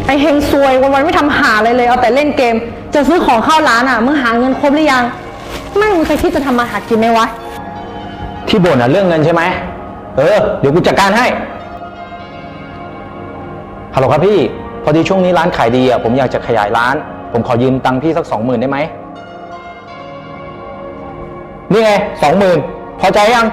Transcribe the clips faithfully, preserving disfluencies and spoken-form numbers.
ไอเฮงซวยวันๆไม่ทำหาอะไรเลยเอาแต่เล่นเกมจะซื้อของเข้าร้านอ่ะมึงหาเงินครบหรือยังไม่มึงเคยคิดจะทำมาหากินไหมวะที่บ่นอ่ะเรื่องเงินใช่ไหมเออเดี๋ยวกูจัดการให้ฮัลโหลครับพี่พอดีช่วงนี้ร้านขายดีอ่ะผมอยากจะขยายร้านผมขอยืมตังค์พี่สักสองหมื่นได้ไหมนี่ไงสองหมื่นพอใจยัง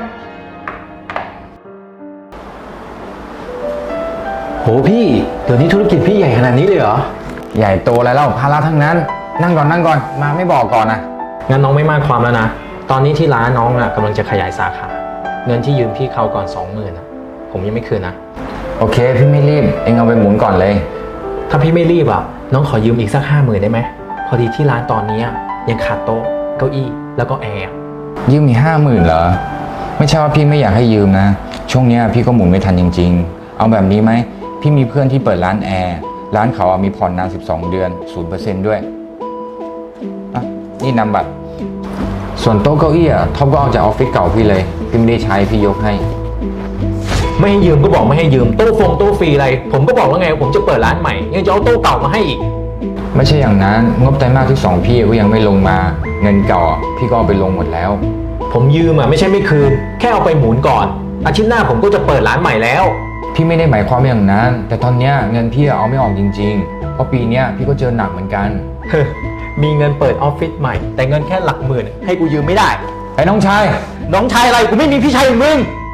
โหพี่เดี๋ยวนี้ธุรกิจพี่ใหญ่ขนาดนี้เลยเหรอใหญ่โตอะไรแล้วภาระทั้งนั้นนั่งก่อนนั่งก่อนมาไม่บอกก่อนนะงั้นน้องไม่มากความแล้วนะตอนนี้ที่ร้านน้องอ่ะกำลังจะขยายสาขาเงินที่ยืมพี่เขาก่อนสองหมื่นอ่ะผมยังไม่คืนนะโอเคพี่ไม่รีบเองเอาไปหมุนก่อนเลยถ้าพี่ไม่รีบอ่ะน้องขอยืมอีกสักห้าหมื่นได้ไหมพอดีที่ร้านตอนนี้ยังขาดโต๊ะเก้าอี้แล้วก็แอร์ยืมมีห้าหมื่นเหรอไม่ใช่ว่าพี่ไม่อยากให้ยืมนะช่วงนี้พี่ก็หมุนไม่ทันจริงๆเอาแบบนี้ไหมพี่มีเพื่อนที่เปิดร้านแอร์ร้านเขามีผ่อนนานสิบสองเดือน ศูนย์เปอร์เซ็นต์ ด้วยอ่ะนี่นำบัตรส่วนโต๊ะเก้าอี้อ่ะท็อปก็เอาจากออฟฟิศเก่าพี่เลยพี่ไม่ได้ใช้พี่ยกให้ไม่ให้ยืมก็บอกไม่ให้ยืมโต๊ะฟงโต๊ะฟรีอะไรผมก็บอกแล้วไงผมจะเปิดร้านใหม่ยังจะเอาโต๊ะเก่ามาให้อีกไม่ใช่อย่างนั้นงบไตรมาสที่สองพี่ก็ยังไม่ลงมาเงินเก่าพี่ก็เอาไปลงหมดแล้วผมยืมอ่ะไม่ใช่ไม่คืนแค่เอาไปหมุนก่อนอาทิตย์หน้าผมก็จะเปิดร้านใหม่แล้วพี่ไม่ได้หมายความอย่างนั้นแต่ตอนนี้เงินพี่เอาไม่ออกจริงๆเพราะปีนี้พี่ก็เจอหนักเหมือนกันมีเงินเปิดออฟฟิศใหม่แต่เงินแค่หลักหมื่นให้กูยืมไม่ได้ไอ้น้องชายน้องชายอะไรกูไม่มีพี่ชายอย่างมึง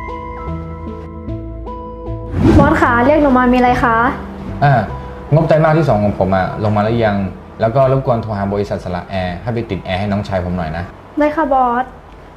บอสคะเรียกหนูมามีอะไรคะอ่างบไตรมาสที่สองของผมอะลงมาแล้วยังแล้วก็รบกวนโทรหาบริษัทสละแอร์ให้ไปติดแอร์ให้น้องชายผมหน่อยนะได้ค่ะบอส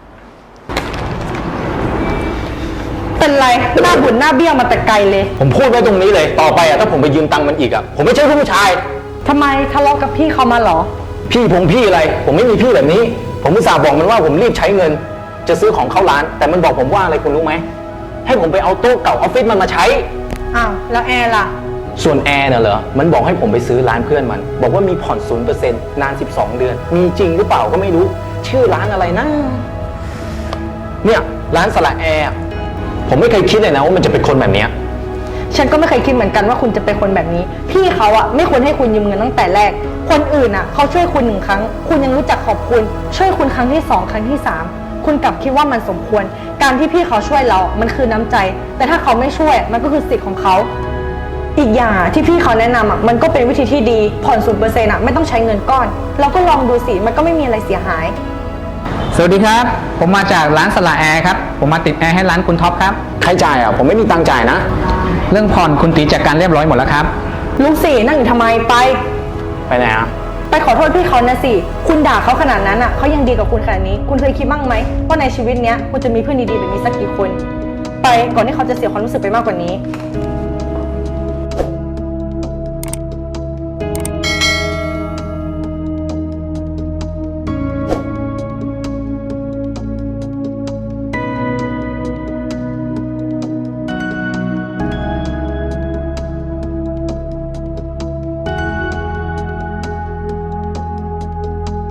เป็นไรหน้าบุญหน้าเบี้ยวมาแต่ไกลเลยผมพูดไว้ตรงนี้เลยต่อไปอ่ะถ้าผมไปยืมตังค์มันอีกอ่ะผมไม่ใช่ผู้ชายทำไมทะเลาะกับพี่เขามาหรอพี่ผมพี่อะไรผมไม่มีพี่แบบนี้ผมอุตส่าห์บอกมันว่าผมรีบใช้เงินจะซื้อของเข้าร้านแต่มันบอกผมว่าอะไรคุณรู้ไหมให้ผมไปเอาโต๊ะเก่าออฟฟิศมันมาใช้อ้าวแล้วแอร์ล่ะส่วนแอร์น่ะเหรอมันบอกให้ผมไปซื้อร้านเพื่อนมันบอกว่ามีผ่อน ศูนย์เปอร์เซ็นต์ นานสิบสองเดือนมีจริงหรือเปล่าก็ไม่รู้ชื่อร้านอะไรนะเนี่ยร้านสละแอร์ผมไม่เคยคิดเลยนะว่ามันจะเป็นคนแบบนี้ฉันก็ไม่เคยคิดเหมือนกันว่าคุณจะเป็นคนแบบนี้พี่เขาอะไม่ควรให้คุณยืมเงินตั้งแต่แรกคนอื่นอะเขาช่วยคุณหนึ่งครั้งคุณยังรู้จักขอบคุณช่วยคุณครั้งที่สองครั้งที่สามคุณกลับคิดว่ามันสมควรการที่พี่เขาช่วยเรามันคือน้ำใจแต่ถ้าเขาไม่ช่วยมันก็คือสิทธิ์ของเขาอีกอย่างที่พี่เขาแนะนำอะมันก็เป็นวิธีที่ดีผ่อนศูนย์เปอร์เซ็นต์อะไม่ต้องใช้เงินก้อนเราก็ลองดูสิมันก็ไม่มีอะไรเสียหายสวัสดีครับผมมาจากร้านสละแอร์ครับผมมาติดแอร์ให้ร้านคุณท็อปครับใครจ่ายอ่ะผมไม่มีตังค์จ่ายนะเรื่องผ่อนคุณตีจัดการเรียบร้อยหมดแล้วครับลุงสี่นั่งอยู่ทำไมไปไปไหนอ่ะไปขอโทษพี่เขานะสิคุณด่าเขาขนาดนั้นอ่ะเขายังดีกับคุณขนาดนี้คุณเคยคิดบ้างไหมว่าในชีวิตเนี้ยคุณจะมีเพื่อนดีๆแบบนี้สักกี่คนไปก่อนที่เขาจะเสียความรู้สึกไปมากกว่านี้